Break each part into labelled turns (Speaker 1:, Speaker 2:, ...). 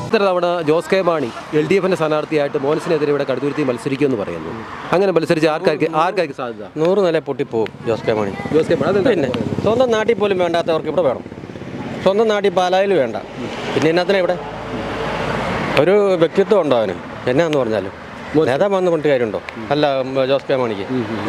Speaker 1: ഇത്ര തവണ ജോസ് കെ മാണി LDFിന്റെ സ്ഥാനാർത്ഥിയായിട്ട് മോൻസിനെതിരെ ഇവിടെ കടുത്തുരുത്തി മത്സരിക്കുമെന്ന് പറയുന്നു. അങ്ങനെ മത്സരിച്ച് ആർക്കാർക്ക് സാധ്യത?
Speaker 2: 100 നില പൊട്ടിപ്പോവും ജോസ് കെ മാണി. പിന്നെ സ്വന്തം നാട്ടിൽ പോലും വേണ്ടാത്തവർക്ക് ഇവിടെ വേണം. സ്വന്തം നാട്ടിൽ പാലായിൽ വേണ്ട. പിന്നെ എന്നാത്തിനാ ഇവിടെ ഒരു വ്യക്തിത്വം ഉണ്ടോ അവന്? എന്നാന്ന് പറഞ്ഞാലും നേതാവ് വന്ന് കൊണ്ട് കാര്യമുണ്ടോ? അല്ല ജോസ് കെ മാണിക്ക്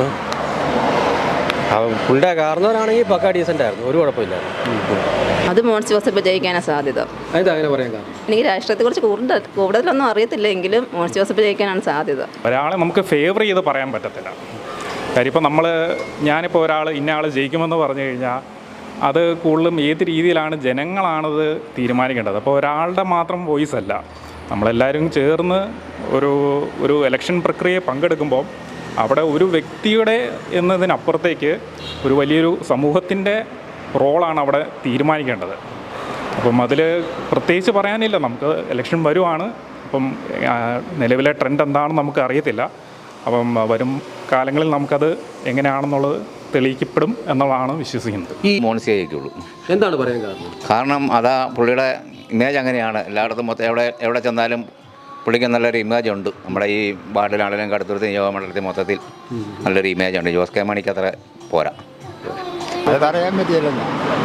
Speaker 2: പുള്ളിയുടെ കാരണവരാണെങ്കിൽ പക്കാ ഡീസൻ്റ് ആയിരുന്നു, ഒരു കുഴപ്പമില്ലായിരുന്നു.
Speaker 3: അത് മോൻസ് ജോസഫ് ജയിക്കാനാണ് സാധ്യത. എനിക്ക് രാഷ്ട്രീയത്തെക്കുറിച്ച് കൂടുതലൊന്നും അറിയത്തില്ല, എങ്കിലും മോൻസ് ജോസഫ് ജയിക്കാനാണ് സാധ്യത.
Speaker 4: ഒരാളെ നമുക്ക് ഫേവർ ചെയ്ത് പറയാൻ പറ്റത്തില്ല. കാര്യം ഇപ്പോൾ ഞാനിപ്പോൾ ഇന്ന ആൾ ജയിക്കുമെന്ന് പറഞ്ഞു കഴിഞ്ഞാൽ അത് കൂടുതലും ഏത് രീതിയിലാണ് ജനങ്ങളാണത് തീരുമാനിക്കേണ്ടത്. അപ്പോൾ ഒരാളുടെ മാത്രം വോയിസ് അല്ല, നമ്മളെല്ലാവരും ചേർന്ന് ഒരു ഇലക്ഷൻ പ്രക്രിയയെ പങ്കെടുക്കുമ്പോൾ അവിടെ ഒരു വ്യക്തിയുടെ എന്നതിനപ്പുറത്തേക്ക് ഒരു വലിയൊരു സമൂഹത്തിൻ്റെ റോളാണ് അവിടെ തീരുമാനിക്കേണ്ടത്. അപ്പം അതിൽ പ്രത്യേകിച്ച് പറയാനില്ല. നമുക്ക് ഇലക്ഷൻ വരുവാണ്. അപ്പം നിലവിലെ ട്രെൻഡ് എന്താണെന്ന് നമുക്ക് അറിയത്തില്ല. അപ്പം വരും കാലങ്ങളിൽ നമുക്കത് എങ്ങനെയാണെന്നുള്ളത് തെളിയിക്കപ്പെടും എന്നുള്ളതാണ് വിശ്വസിക്കുന്നത്.
Speaker 5: ഈ മോൻസിയെ ജയിക്കുള്ളൂ.
Speaker 1: എന്താണ് പറയാൻ കാരണം?
Speaker 5: കാരണം അതാ പുള്ളിയുടെ ഇമേജ് അങ്ങനെയാണ്. എല്ലായിടത്തും മൊത്തം എവിടെ ചെന്നാലും പുള്ളിക്ക് നല്ലൊരു ഇമേജ് ഉണ്ട്. നമ്മുടെ ഈ വാർഡിലാണെങ്കിലും കടുത്തുരുത്തി നിയോജകമണ്ഡലത്തിൽ മൊത്തത്തിൽ നല്ലൊരു ഇമേജ് ഉണ്ട്. ജോസ് കെ മാണിക്ക് അത്ര പോരാ.
Speaker 6: അതറിയാൻ പറ്റിയല്ലോ.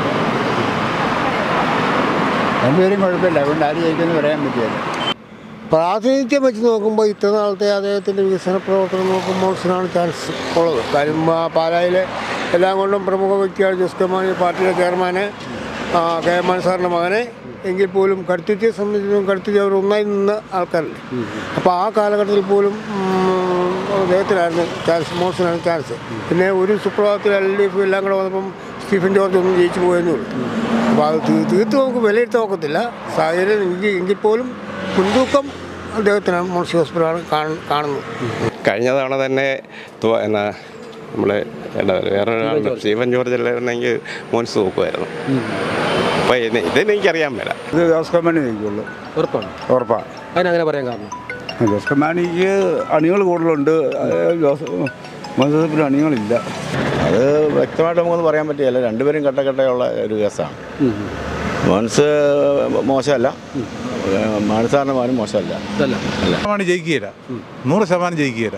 Speaker 6: രണ്ടുപേരും കുഴപ്പമില്ല, അതുകൊണ്ട് ആര് ജയിക്കുമെന്ന് പറയാൻ പറ്റിയല്ലോ.
Speaker 7: പ്രാതിനിധ്യം വെച്ച് നോക്കുമ്പോൾ ഇത്ര നാളത്തെ അദ്ദേഹത്തിൻ്റെ വികസന പ്രവർത്തനം നോക്കുമ്പോൾ മോൻസിനാണ് ചാൻസ് ഉള്ളത്. കാര്യം പാലായിലെ എല്ലാം കൊണ്ടും പ്രമുഖ വ്യക്തിയാണ് ജോസ് കെ മാണി, പാർട്ടിയുടെ ചെയർമാന് കെ എം മാണി സാറിൻ്റെ മകനെ. എങ്കിൽ പോലും കടുത്തുരുത്തിയെ സംബന്ധിച്ചിടത്തോളം കടുത്തുരുത്തി അവർ ഒന്നായി നിന്ന ആൾക്കാരല്ലേ. അപ്പോൾ ആ കാലഘട്ടത്തിൽ പോലും അദ്ദേഹത്തിനായിരുന്നു ചാൻസ്, മോൻസിനാണ് ചാൻസ്. പിന്നെ ഒരു സുപ്രഭാതത്തിൽ LDF എല്ലാം കൂടെ വന്നപ്പം സ്റ്റീഫൻ ജോർജ് ഒന്നും ജയിച്ചു പോയെന്നേ ഉള്ളൂ. അപ്പോൾ അത് തീർത്ത് നമുക്ക് വിലയിരുത്താൻ നോക്കത്തില്ല സാഹചര്യം. എങ്കിൽ പോലും മുൻതൂക്കം അദ്ദേഹത്തിനാണ് മോൻസ് ജോസഫിനാണ് കാണുന്നത്.
Speaker 2: കഴിഞ്ഞ തവണ തന്നെ നമ്മളെ വേറൊരാളുടെ സ്റ്റീഫൻ ജോർജ് അല്ലായിരുന്നെങ്കിൽ മോൻസ് നോക്കുമായിരുന്നു. അപ്പോൾ ഇതെനിക്കറിയാൻ മേല.
Speaker 6: ഇത് ജോസ് കെ മാണി ജയിക്കുള്ളൂ. ഉറപ്പാണ്.
Speaker 1: അതിനങ്ങനെ പറയാൻ കാരണം
Speaker 6: ജോസ് കെ മാണിക്ക് അണികൾ കൂടുതലുണ്ട്, മോൻസ് ജോസഫിന് അണികളില്ല.
Speaker 8: അത് വ്യക്തമായിട്ട് നമുക്കൊന്നും പറയാൻ പറ്റില്ല. രണ്ടുപേരും കട്ടയുള്ള ഒരു കേസാണ്. മോൻസ് മോശമല്ല, മാണിസാറിൻ്റെ മാനും മോശമല്ല.
Speaker 9: മാണി ജയിക്കുകയില്ല, 100% ജയിക്കുകയില്ല.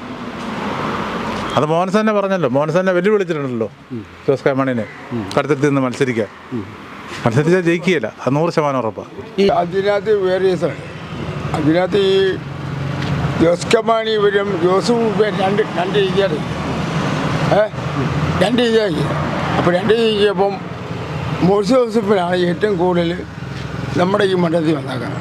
Speaker 9: അത് മോൻസ് തന്നെ പറഞ്ഞല്ലോ. മോൻസ് തന്നെ വെല്ലുവിളിച്ചിട്ടുണ്ടല്ലോ ജോസ് കെ മാണിനെ കടുത്തുരുത്തി നിന്ന് മത്സരിച്ചാൽ ജയിക്കുകയില്ല. അത് 100% ഉറപ്പാണ്.
Speaker 7: അതിനകത്ത് വേരിയസാണ്. അതിനകത്ത് ഈ ജോസ് കെ മാണി ഇവരും ജോസും രണ്ട് രീതിയാണ്. രണ്ട് രീതിയാക്കി. അപ്പോൾ രണ്ട് രീതിയപ്പം മോൻസ് ജോസഫിനാണ് ഏറ്റവും കൂടുതൽ നമ്മുടെ ഈ മണ്ഡലത്തിൽ വന്നേക്കാം.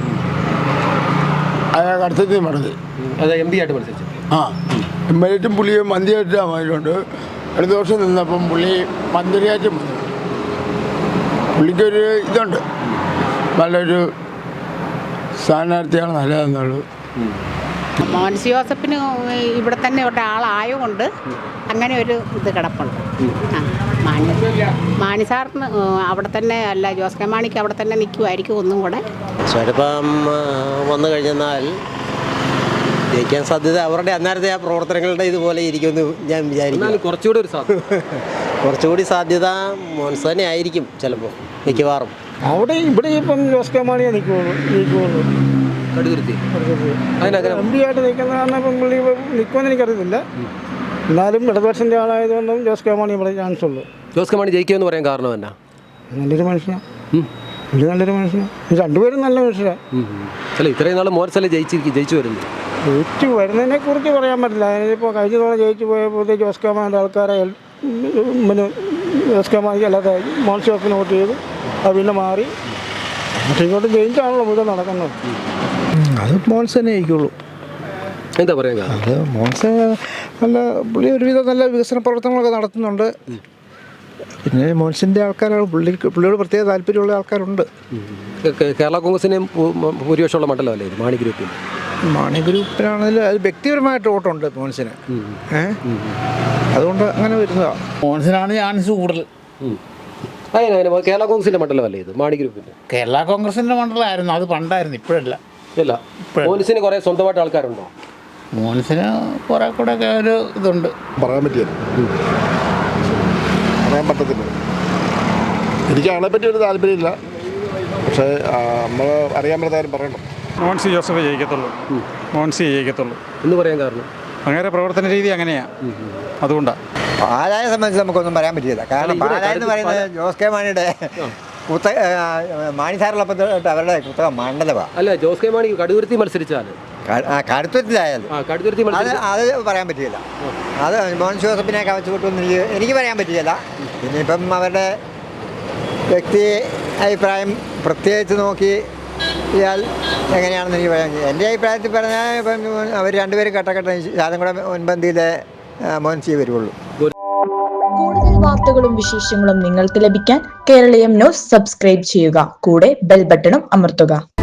Speaker 7: അയാൾ അടുത്തത് മണ്ഡലത്തിൽ
Speaker 1: MP ആയിട്ട് മത്സരിച്ചു.
Speaker 7: എംഎൽഎറ്റും പുള്ളിയും മന്ത്രിയായിട്ടും ആയതുകൊണ്ട് അടുത്ത വർഷം നിന്നപ്പം പുള്ളി മന്ത്രിയായിട്ടും പുള്ളിക്കൊരു ഇതുണ്ട്, നല്ലൊരു സ്ഥാനാർത്ഥിയാണ് നല്ലതെന്നുള്ളത്.
Speaker 10: മോൻസ് ജോസഫിന് ഇവിടെ തന്നെ ഒരാളായതുകൊണ്ട് അങ്ങനെ ഒരു ഇത് കിടപ്പുണ്ട്. മാണി സാറിന് അവിടെ തന്നെ അല്ല, ജോസ് കെ മാണിക്ക് അവിടെ തന്നെ നിൽക്കുമായിരിക്കും ഒന്നും കൂടെ.
Speaker 2: ചിലപ്പം വന്നു കഴിഞ്ഞാൽ ജയിക്കാൻ സാധ്യത അവരുടെ അന്നേരത്തെ ആ പ്രവർത്തനങ്ങളുടെ ഇതുപോലെ ഇരിക്കുമെന്ന് ഞാൻ വിചാരിക്കുന്നു. കുറച്ചുകൂടി സാധ്യത മോൻസ് തന്നെ ആയിരിക്കും ചിലപ്പോൾ, മിക്കവാറും.
Speaker 7: അവിടെ ഇവിടെ ഇപ്പം ജോസ് കെ മാണിയെ നിൽക്കുള്ളൂ. MP ആയിട്ട് നിൽക്കുന്ന കാരണം ഇപ്പം പുള്ളി നിൽക്കുമെന്ന് എനിക്കറിയത്തില്ല. എന്നാലും ഇടതുപക്ഷൻ്റെ ആളായതുകൊണ്ടും ജോസ് കെ മാണി ഇവിടെ ചാൻസ് ഉള്ളൂ.
Speaker 1: ജോസ് കെ മാണി ജയിക്കുമെന്ന് പറയാൻ കാരണം എന്നാ?
Speaker 7: നല്ലൊരു മനുഷ്യനാണ്. നല്ലൊരു മനുഷ്യനാണ്. രണ്ടുപേരും നല്ല മനുഷ്യരാണ്.
Speaker 1: ഇത്രയും നാൾ മോൻസല്ലേ ജയിച്ചു വരുന്നു.
Speaker 7: ജയിച്ചു വരുന്നതിനെ കുറിച്ച് പറയാൻ പറ്റില്ല. അതിനിപ്പോൾ കഴിഞ്ഞ തവണ ജയിച്ചു പോയപ്പോഴത്തെ ജോസ് കെ മാണിയുടെ ആൾക്കാരെ പിന്നെ ജോസ് കെ മാണിക്ക് അല്ലാതെ മോൻസ് ജോസഫിന് വോട്ട് ചെയ്തു. അത് പിന്നെ മാറി ഇങ്ങോട്ട് ജയിച്ചാണല്ലോ മുഴുവൻ നടക്കുന്നത്.
Speaker 6: അത് മോൻസ് തന്നെ ജയിക്കുള്ളൂ.
Speaker 1: എന്താ പറയുക?
Speaker 6: അത് മോൻസ് നല്ല പുള്ളി ഒരുവിധം നല്ല വികസന പ്രവർത്തനങ്ങളൊക്കെ നടത്തുന്നുണ്ട്. പിന്നെ മോൻസിൻ്റെ ആൾക്കാരാണ് പുള്ളിയോട് പ്രത്യേക താല്പര്യമുള്ള ആൾക്കാരുണ്ട്.
Speaker 1: കേരള കോൺഗ്രസിന് ഭൂരിപക്ഷമുള്ള മണ്ഡലമല്ലേ ഇത്?
Speaker 6: മാണി ഗ്രൂപ്പിനാണെങ്കിലും അത് വ്യക്തിപരമായിട്ട് വോട്ടുണ്ട് മോൻസിന്. അതുകൊണ്ട് അങ്ങനെ വരുന്നതാണ്.
Speaker 11: മോൻസിനാണ് ചാൻസ് കൂടുതൽ.
Speaker 1: കേരള കോൺഗ്രസിന്റെ മണ്ഡലമല്ലേ ഇത്? മാണി ഗ്രൂപ്പിന്റെ
Speaker 11: കേരള കോൺഗ്രസിന്റെ മണ്ഡലമായിരുന്നു, അത് പണ്ടായിരുന്നു, ഇപ്പോഴല്ല.
Speaker 1: മോൻസിന് കുറെ സ്വന്തമായിട്ട് ആൾക്കാരുണ്ടോ?
Speaker 11: മോൻസിന് കുറെ കൂടെ ഒക്കെ ഒരു ഇതുണ്ട്.
Speaker 6: പറയാൻ പറ്റില്ല, പറയാൻ പറ്റത്തില്ല. എനിക്ക് അതിനെപ്പറ്റി ഒരു താല്പര്യമില്ല.
Speaker 7: പക്ഷേ നമ്മൾ അറിയാൻ പറ്റാരും പറയണം.
Speaker 4: മോൻസി ജോസഫ് ജയിക്കത്തുള്ളൂ. മോൻസി ജയിക്കത്തുള്ളൂ
Speaker 1: എന്ന് പറയാൻ കാരണം
Speaker 4: അങ്ങനെ പ്രവർത്തന രീതി അങ്ങനെയാണ്. അതുകൊണ്ടാണ്
Speaker 12: പാലായെ സംബന്ധിച്ച് നമുക്കൊന്നും പറയാൻ പറ്റില്ല. കാരണം പാലായ എന്ന് പറയുന്നത് ജോസ് കെ മാണിയുടെ മാണി സാറിലൊപ്പം അവരുടെ പുസ്തകം മണ്ഡലമാണ്.
Speaker 1: അല്ല, ജോസ് കെ മാണി കടുതുരുത്തി മത്സരിച്ചാൽ
Speaker 12: കടുത്തുരുത്തിലായാലും അത് പറയാൻ പറ്റില്ല. അത് മോൻസ് ജോസഫിനെ കവച്ചു കിട്ടുമെന്ന് എനിക്ക് പറയാൻ പറ്റില്ല. പിന്നെ ഇപ്പം അവരുടെ വ്യക്തി അഭിപ്രായം പ്രത്യേകിച്ച് നോക്കി ഇയാൾ എങ്ങനെയാണെന്ന് എനിക്ക് പറയാൻ. എൻ്റെ അഭിപ്രായത്തിൽ പറഞ്ഞാൽ ഇപ്പം അവർ രണ്ടുപേരും കട്ടക്കട്ട ശാലം കൂടെ മുൻപന്തിയിലെ മോൻസിയെ വരുള്ളൂ.
Speaker 13: കൂടുതൽ വാർത്തകളും വിശേഷങ്ങളും നിങ്ങൾക്ക് ലഭിക്കാൻ കേരളീയം ന്യൂസ് സബ്സ്ക്രൈബ് ചെയ്യുക. കൂടെ ബെൽ ബട്ടണും അമർത്തുക.